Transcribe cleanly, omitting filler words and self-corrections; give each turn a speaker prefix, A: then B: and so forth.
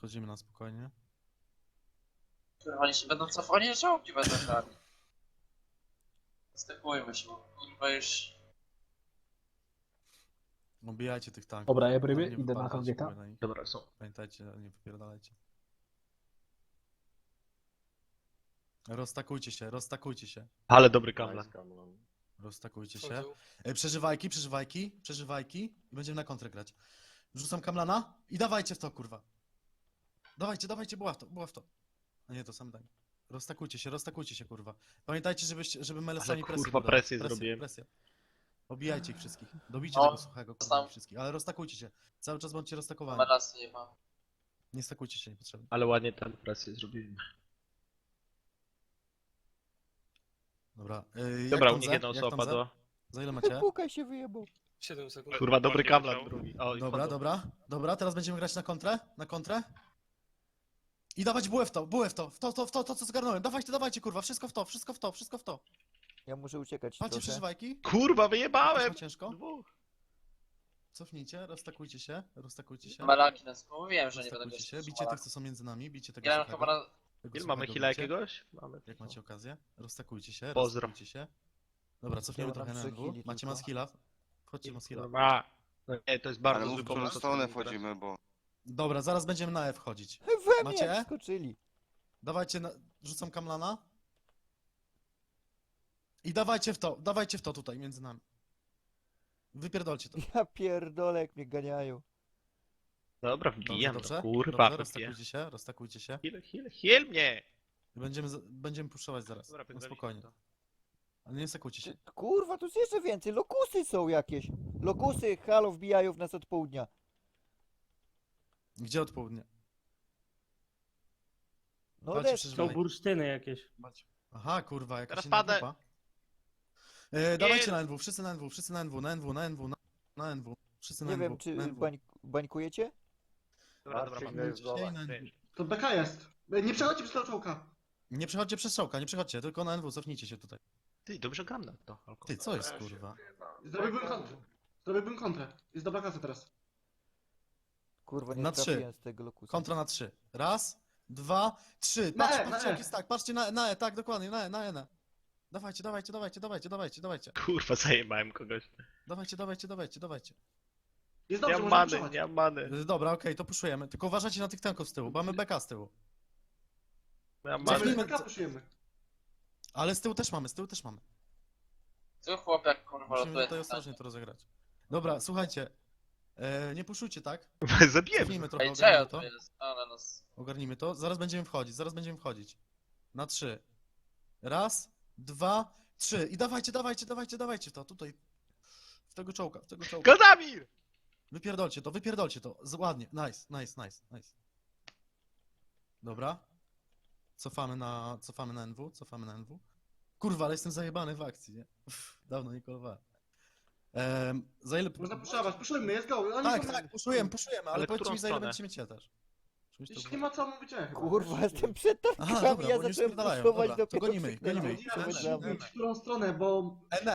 A: Wchodzimy na spokojnie.
B: Kurwa, oni się będą cofani, czołgi będą grali. Stepujmy się, bo kurwa już...
A: Obijajcie tych tanków.
C: Dobra, ja
A: Tam
C: ryby,
A: nie
C: idę na
A: wypadajcie
C: targeta.
A: w ogóle na nich.
C: Dobra, są.
A: Pamiętajcie, nie wypierdalajcie. Roztakujcie się, roztakujcie się.
D: Ale dobry kamlan.
A: Roztakujcie się.
E: Wchodzą.
A: Przeżywajki i będziemy na kontrę grać. Wrzucam kamlana i dawajcie w to, kurwa. Dawajcie, była w to. A nie, to sam daj. Roztakujcie się, kurwa. Pamiętajcie, żeby melesami
D: Ale
A: presję
D: kurwa
A: budować.
D: presję zrobiłem.
A: Presję. Obijajcie ich wszystkich. Dobijcie
B: O,
A: tego suchego, kurwa,
B: tam.
A: ich wszystkich. Ale roztakujcie się. Cały czas bądźcie roztakowani.
B: Melasy nie ma.
A: Nie stakujcie się niepotrzebnie.
D: Ale ładnie tam presję zrobiłem.
A: Dobra.
D: Dobra, u
A: jak
D: nich
A: tam
D: jedna
A: ze?
D: osoba
A: Jak tam ze?
D: padła.
A: Za ile macie?
F: Pukaj się wyjebał.
E: 7 sekund.
D: Kurwa, dobry kamlan drugi. O, i
A: Dobra,
D: wchodzą.
A: dobra, teraz będziemy grać na kontrę. I dawać bułę w to, co zgarnąłem. Dawajcie, kurwa, wszystko w to.
F: Ja muszę uciekać
A: Macie
F: trochę.
A: przeżywajki?
D: Kurwa,
A: Też
D: wyjebałem!
A: ma ciężko?
D: Dwóch.
A: Cofnijcie, roztakujcie się.
B: Malaki nas, mówiłem, że nie będę
A: Roztakujcie się,
B: grać.
A: bicie tych, co są między nami, bicie tego
B: Grałem
A: suchego.
B: chyba na...
A: Tego
D: Ile mamy
A: suchego
D: hila
A: bicie.
D: jakiegoś? Mamy.
A: Jak macie okazję. Roztakujcie się,
D: Pozdro.
A: roztakujcie się. Dobra, cofniemy
F: Ja mam
A: trochę na
F: 3
A: NW.
F: heali
A: Macie
F: tylko.
A: maskilla. Wchodźcie maskilla.
D: Kurwa. No nie, to jest bardzo
G: Ale
D: zły
G: mów, w którą
D: pomysł.
G: stronę wchodzimy, bo...
A: Dobra, zaraz będziemy na E wchodzić.
F: We mnie
A: Macie?
F: jak skoczyli.
A: Dawajcie, rzucam kamlana. I dawajcie w to tutaj, między nami. Wypierdolcie to.
F: Ja pierdolę jak mnie ganiają.
D: Dobra, wbijam
A: Dobrze,
D: to,
A: dobrze?
D: kurwa,
A: Dobrze,
D: wbijam.
A: roztakujcie się.
D: Heal mnie!
A: Będziemy puszować zaraz.
D: Dobra,
A: No
D: pierdolicie
A: spokojnie.
D: to.
A: Ale nie stakujcie się.
F: Kurwa, tu jest jeszcze więcej. Lokusy są jakieś. Lokusy, halo, wbijają w nas od południa.
A: Gdzie od południa?
F: No
A: Walcie
F: des.
A: przeżywaj.
H: Są bursztyny jakieś.
A: Aha, kurwa, jakaś
D: Teraz
A: inna
D: padę.
A: grupa. Dawajcie na NW, wszyscy na NW. Wszyscy na
F: Nie
A: NW,
F: wiem, czy
A: na NW.
F: bańkujecie?
D: Dobra, dobra,
G: Marcin,
D: mamy.
G: jest dola.
I: To beka jest. Nie przechodźcie przez tego czołka.
A: Nie przechodźcie przez czołka, tylko na NW, cofnijcie się tutaj.
D: Ty, dobrze gram na to.
A: Ty, co jest, kurwa?
I: Zrobiłbym kontrę. Jest dobra klasa teraz.
F: Kurwa, nie
A: Na 3.
F: trafiłem z tego lokusa.
A: Kontra na 3. Raz, 2, 3.
I: Na E,
A: Patrzcie,
I: na
A: jak
I: E.
A: jest tak, patrzcie na E, tak, dokładnie, na E. Dawajcie.
D: Kurwa, zajebałem kogoś.
A: Dawajcie.
I: Jest
D: Nie
I: dobrze,
D: mam
I: możemy
D: many,
I: przechodzić.
D: nie mam many.
A: Dobra, okej, to puszujemy. Tylko uważajcie na tych tanków z tyłu, bo mamy beka z tyłu.
D: Nie mam
I: Mamy
D: many.
A: Cofnijmy-
I: beka, puszujemy.
A: Ale z tyłu też mamy.
B: Co chłop jak kurwa
A: Musimy
B: lotuje.
A: tutaj ostrożnie to rozegrać. Dobra, słuchajcie. Nie puszujcie, tak?
D: Zabiłem.
A: Cofnijmy trochę,
B: Ej, czego
A: ogarnijmy
B: to
A: to.
B: jest? Ale nas...
A: Ogarnijmy to. Zaraz będziemy wchodzić. Na 3. Raz, 2, 3. I dawajcie w to, tutaj. W tego czołka.
D: Godamir!
A: Wypierdolcie to. Ładnie. Nice. Dobra. Cofamy na NW. Kurwa, ale jestem zajebany w akcji, nie? Dawno nie kolowałem. Za ile...
I: Można puszować, puszujmy, jest go. Oni są-
A: Tak, puszujemy, ale
D: Ale
A: powiedzcie
D: którą
A: mi za ile
D: stronę?
A: będziecie mieć też. Żebyś to
I: Jeśli
A: było-
I: nie ma co mówić, ja chyba.
F: Kurwa, jestem przed
A: Aha,
F: tankami,
A: dobra,
F: ja
A: bo oni już
F: zacząłem
A: spierdalają.
F: puszować
A: Dobra, to
F: dopiero
A: gonimy ich.
F: krzyknąłem,
I: Ja
F: żeby
I: muszę
F: za mną.
I: mówić, w którą stronę, bo...